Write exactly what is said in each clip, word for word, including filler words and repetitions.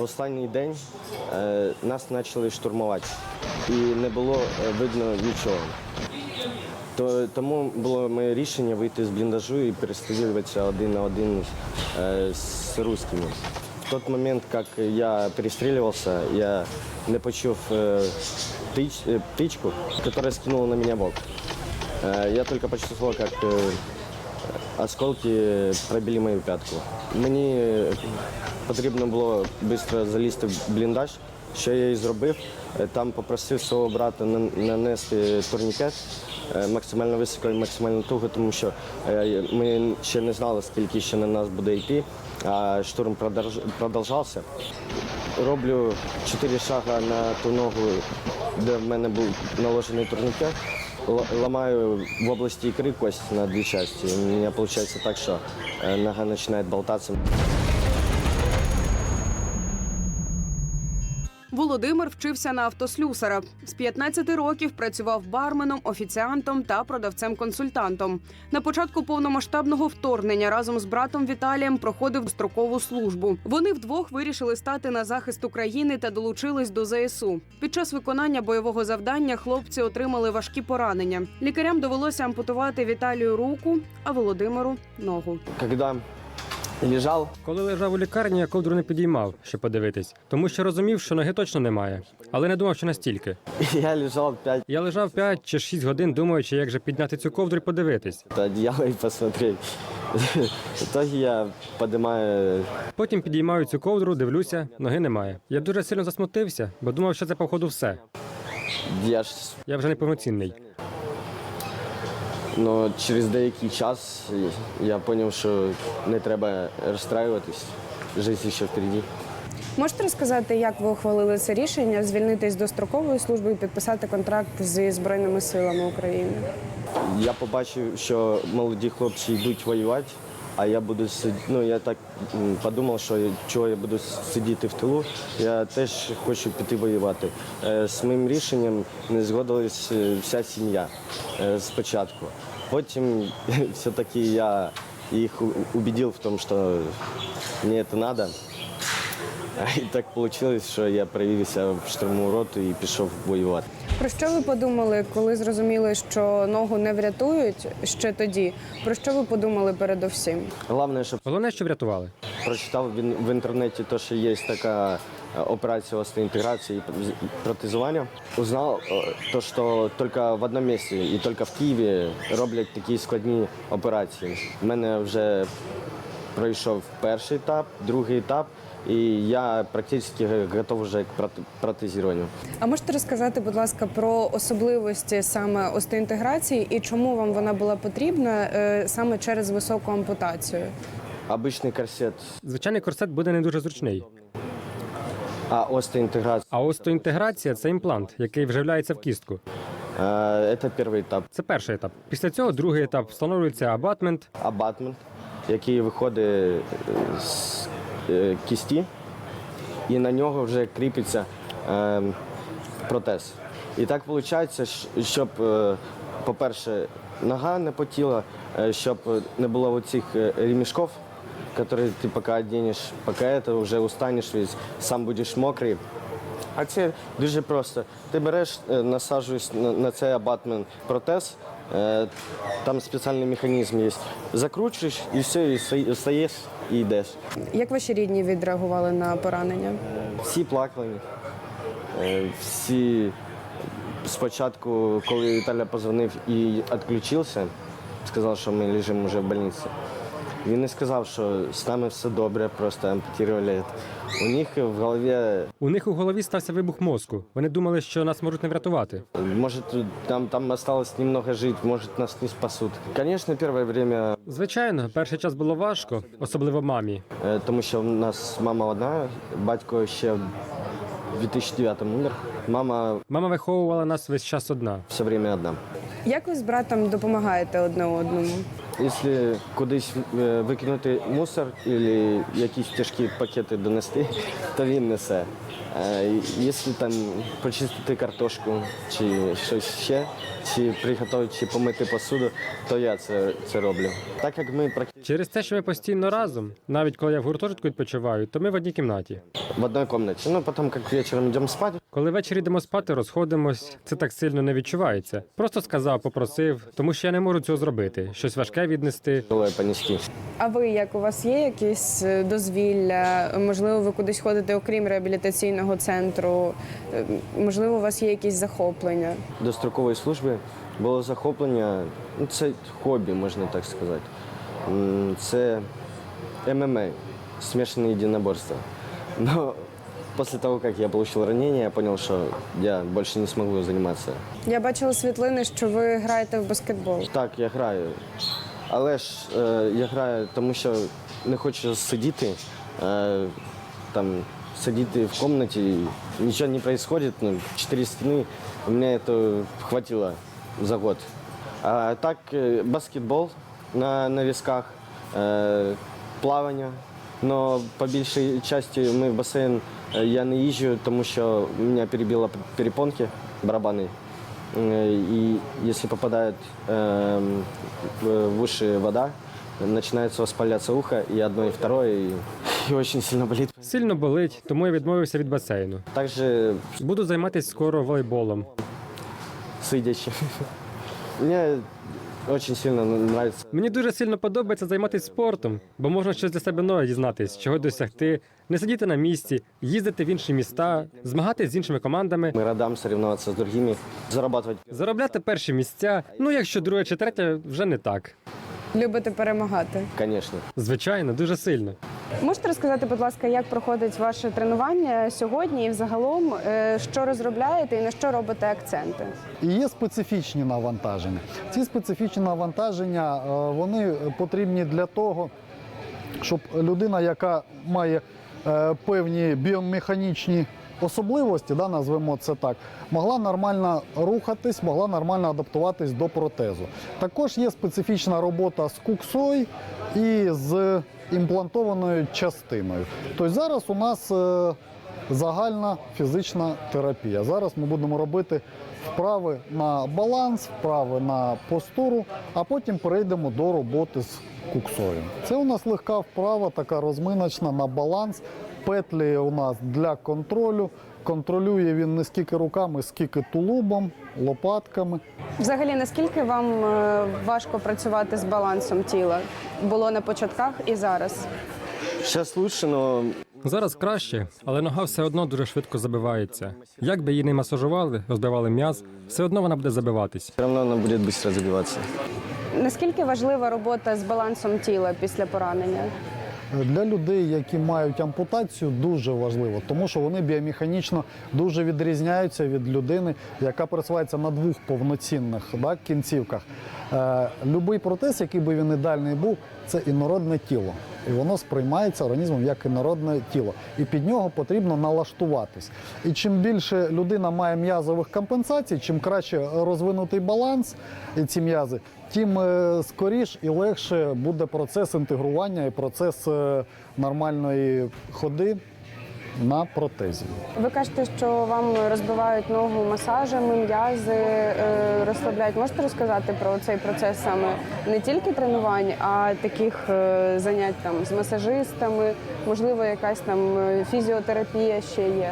останній день е, нас почали штурмувати і не було видно нічого. То, тому було моє рішення вийти з бліндажу і перестрілюватися один на один е, з русскими. В той момент, як я перестрілювався, я не почув е, птич, е, птичку, яка скинула на мене в бок. Е, я тільки почувствував, як е, осколки пробили мою п'ятку. Мені потрібно було швидко залізти в бліндаж, що я і зробив. Там попросив свого брата нанести турнікет максимально високо і максимально туго, тому що ми ще не знали, скільки ще на нас буде йти, а штурм продовжався. Роблю чотири шага на ту ногу, де в мене був наложений турнікет. Ламаю в области икры кость на две части. У меня получается так, что нога начинает болтаться. Володимир вчився на автослюсара. З п'ятнадцяти років працював барменом, офіціантом та продавцем-консультантом. На початку повномасштабного вторгнення разом з братом Віталієм проходив строкову службу. Вони вдвох вирішили стати на захист України та долучились до зе ес у. Під час виконання бойового завдання хлопці отримали важкі поранення. Лікарям довелося ампутувати Віталію руку, а Володимиру – ногу. Когда лежав, Коли лежав у лікарні, я ковдру не підіймав, щоб подивитись, тому що розумів, що ноги точно немає, але не думав, що настільки. я лежав п'ять Я лежав п'ять чи шість годин, думаючи, як же підняти цю ковдру і подивитись. одеяла і посмотреть. В итоге я піднімаю. Потім підіймаю цю ковдру, дивлюся, ноги немає. Я дуже сильно засмутився, бо думав, що це, походу, все. Я ж, Я вже неповноцінний. ну, через деякий час я зрозумів, що не треба розстраюватись. Життя ще впереді. Можете розказати, як ви ухвалили це рішення звільнитись до строкової служби і підписати контракт зі Збройними силами України? Я побачив, що молоді хлопці йдуть воювати, а я буду сидіти. Ну, я так м, подумав, що чого я буду сидіти в тилу. Я теж хочу піти воювати. Е, З моїм рішенням не згодилась е, вся сім'я е, спочатку. Потім все-таки я їх у- убедив в тому, що мені це треба. І так вийшло, що я привівся в штурмову роту і пішов воювати. Про що ви подумали, коли зрозуміли, що ногу не врятують ще тоді? Про що ви подумали передовсім? Головне, щоб Головне, що врятували. прочитав в ін- в інтернеті, то, що є така е, операція остеоінтеграції і протезування. Узнав, е, то, що тільки в одному місці і тільки в Києві роблять такі складні операції. У мене вже пройшов перший етап, другий етап, і я практично готовий вже к проте- протезуванню. А можете розказати, будь ласка, про особливості саме остеоінтеграції і чому вам вона була потрібна е, саме через високу ампутацію? Обичний корсет, Звичайний корсет буде не дуже зручний. а остеоінтеграція А остеоінтеграція – це імплант, який вживляється в кістку. е, – це перший етап. Це перший етап. Після цього другий етап встановлюється абатмент. Абатмент, який виходить з е, кісті, і на нього вже кріпиться е, протез. І так виходить, щоб, е, по-перше, нога не потіла, е, щоб не було оцих е, ремішків, які ти поки одінеш, поки це вже устанеш весь, сам будеш мокрий. А це дуже просто. Ти береш, е, насаджуєш на, на цей абатмент протез, е, там спеціальний механізм є. Закручуєш і все, і ста- стаєш і йдеш. Як ваші рідні відреагували на поранення? Всі плакали. Е, Всі спочатку, коли Віталя позвонив і відключився, сказав, що ми лежимо вже в лікарні. Він не сказав, що з нами все добре, просто ампутували. У них в голові, У них у голові стався вибух мозку. Вони думали, що нас можуть не врятувати. може, там, там осталось немного жити, може нас не спасуть. Звісно, перше время, Звичайно, перший час було важко, особливо мамі. е, тому що в нас мама одна, батько ще в дві тисячі дев'ятому умер. Мама Мама виховувала нас весь час одна. все время одна. Як ви з братом допомагаєте одне одному? Якщо кудись е, викинути мусор або якісь тяжкі пакети донести, то він несе. Е, Якщо там почистити картошку чи щось ще, чи приготувати, чи помити посуду, то я це, це роблю. Так як ми практично Через те, що ми постійно разом, навіть коли я в гуртожитку відпочиваю, то ми в одній кімнаті. в одній кімнаті. Ну, потім, як вечором йдемо спати, Коли ввечері йдемо спати, розходимось, це так сильно не відчувається. Просто сказав, попросив, тому що я не можу цього зробити. Щось важке віднести. коли понести. А ви як у вас є якісь е, дозвілля? Можливо, ви кудись ходите окрім реабілітаційного центру? Е, Можливо, у вас є якісь захоплення? До строкової служби було захоплення, ну, це хобі, можна так сказати. М, Це ем ем а, смішане єдиноборство. Но після того, як я отримав ранення, я зрозумів, що я більше не зможу займатися. Я бачила світлини, що ви граєте в баскетбол. Так, я граю. Але ж е, я граю, тому що не хочу сидіти, е, там, сидіти в кімнаті, нічого не відбувається, ну, чотири стіни, у мене це хватило за год. А так, е, баскетбол на, на візках, е, плавання. Но по більшій частині ми в басейн е, я не їжджу, тому що у мене перебило перепонки, барабани. Э, И если попадает э, в в уши вода, начинается воспаляться ухо, и одно, и второе, и, и очень сильно болит. Сильно болить, тому я відмовився від басейну. Также Буду займатися скоро волейболом. сидячи. Мне очень сильно нравится. Мені дуже сильно подобається займатися спортом, бо можна щось для себе нове дізнатись, чого досягти, не сидіти на місці, їздити в інші міста, змагатися з іншими командами, Мы радам соревноваться с другими, зарабатывать. заробляти перші місця. Ну, якщо друге чи третє, вже не так. Любите перемагати? Конечно. Звичайно, дуже сильно. Можете розказати, будь ласка, як проходить ваше тренування сьогодні і взагалом, е, що розробляєте і на що робите акценти? І є специфічні навантаження. Ці специфічні навантаження е, вони потрібні для того, щоб людина, яка має е, певні біомеханічні особливості, да, назвемо це так, могла нормально рухатись, могла нормально адаптуватись до протезу. Також є специфічна робота з куксою і з імплантованою частиною. Тобто зараз у нас е, загальна фізична терапія. Зараз ми будемо робити вправи на баланс, вправи на постуру, а потім перейдемо до роботи з куксою. Це у нас легка вправа, така розминочна на баланс. Петлі у нас для контролю. Контролює він не скільки руками, скільки тулубом, лопатками. Взагалі, наскільки вам е, важко працювати з балансом тіла? Було на початках і зараз? Сейчас лучше, но Зараз краще, але нога все одно дуже швидко забивається. Як би її не масажували, розбивали м'яз, все одно вона буде забиватись. все равно она будет быстро забиваться. Наскільки важлива робота з балансом тіла після поранення? Для людей, які мають ампутацію, дуже важливо, тому що вони біомеханічно дуже відрізняються від людини, яка пересувається на двох повноцінних да, кінцівках. Е, Любий протез, який би він ідеальний був, це інородне тіло. І воно сприймається організмом як інородне тіло. І під нього потрібно налаштуватись. І чим більше людина має м'язових компенсацій, чим краще розвинутий баланс і ці м'язи, тим е, скоріш і легше буде процес інтегрування і процес е, нормальної ходи на протезі. Ви кажете, що вам розбивають ногу масажами, м'язи е, розслабляють. Можете розказати про цей процес саме не тільки тренувань, а таких е, занять там з масажистами, можливо, якась там е, фізіотерапія ще є?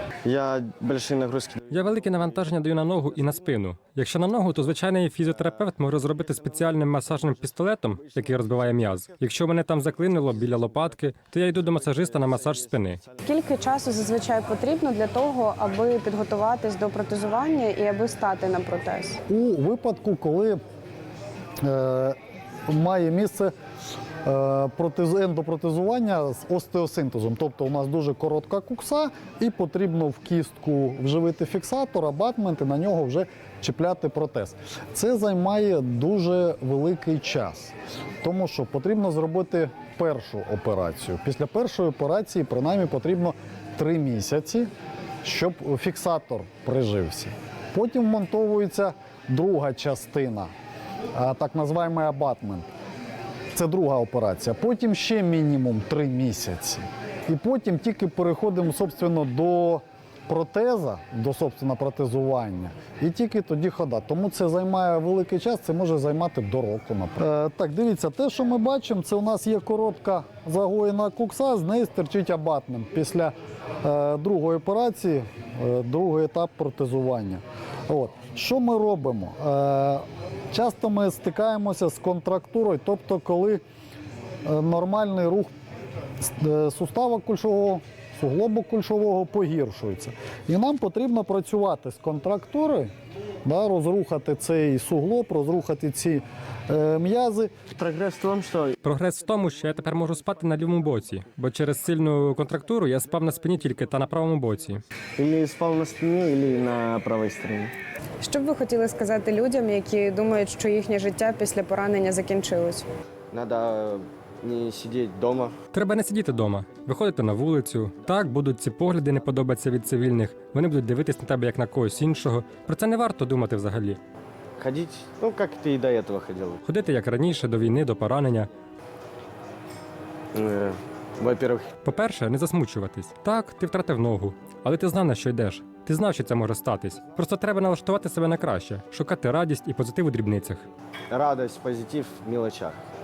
Я большие нагрузки. Я велике навантаження даю на ногу і на спину. Якщо на ногу, то звичайний фізіотерапевт може зробити спеціальним масажним пістолетом, який розбиває м'яз. Якщо мене там заклинило біля лопатки, то я йду до масажиста на масаж спини. Скільки часу зазвичай потрібно для того, аби підготуватись до протезування і аби стати на протез? У випадку, коли е, має місце е, протез, ендопротезування з остеосинтезом, тобто у нас дуже коротка кукса і потрібно в кістку вживити фіксатор, абатмент і на нього вже чіпляти протез. Це займає дуже великий час, тому що потрібно зробити першу операцію. Після першої операції принаймні потрібно три місяці, щоб фіксатор прижився. Потім вмонтовується друга частина, а, так називаємо абатмент. Це друга операція. Потім ще мінімум три місяці. І потім тільки переходимо, собственно, до протеза, до собственно протезування, і тільки тоді хода. Тому це займає великий час, це може займати до року, наприклад. Е, так, дивіться, те, що ми бачимо, це у нас є коротка загоєна кукса, з неї стирчить абатмент після е, другої операції, е, другий етап протезування. От. Що ми робимо? Е, часто ми стикаємося з контрактурою, тобто коли е, нормальний рух е, сустава кульшового, суглобу кульшового погіршується. І нам потрібно працювати з контрактурою, да, розрухати цей суглоб, розрухати ці е, м'язи. Прогресс в том, что Прогрес в тому, що я тепер можу спати на лівому боці, бо через сильну контрактуру я спав на спині тільки та на правому боці. или спал на спине, или на правой стороне. Що б ви хотіли сказати людям, які думають, що їхнє життя після поранення закінчилось? Надо не сидеть дома. Треба не сидіти вдома, виходити на вулицю. Так, будуть ці погляди не подобатися від цивільних, вони будуть дивитись на тебе як на когось іншого. Про це не варто думати взагалі. Ходить, ну, как ты и до этого ходил. Ходити як раніше, до війни, до поранення. Э, Во-первых, По-перше, не засмучуватись. Так, ти втратив ногу, але ти знав, на що йдеш. Ти знав, що це може статись. Просто треба налаштувати себе на краще, шукати радість і позитив у дрібницях. радость, позитив в мелочах.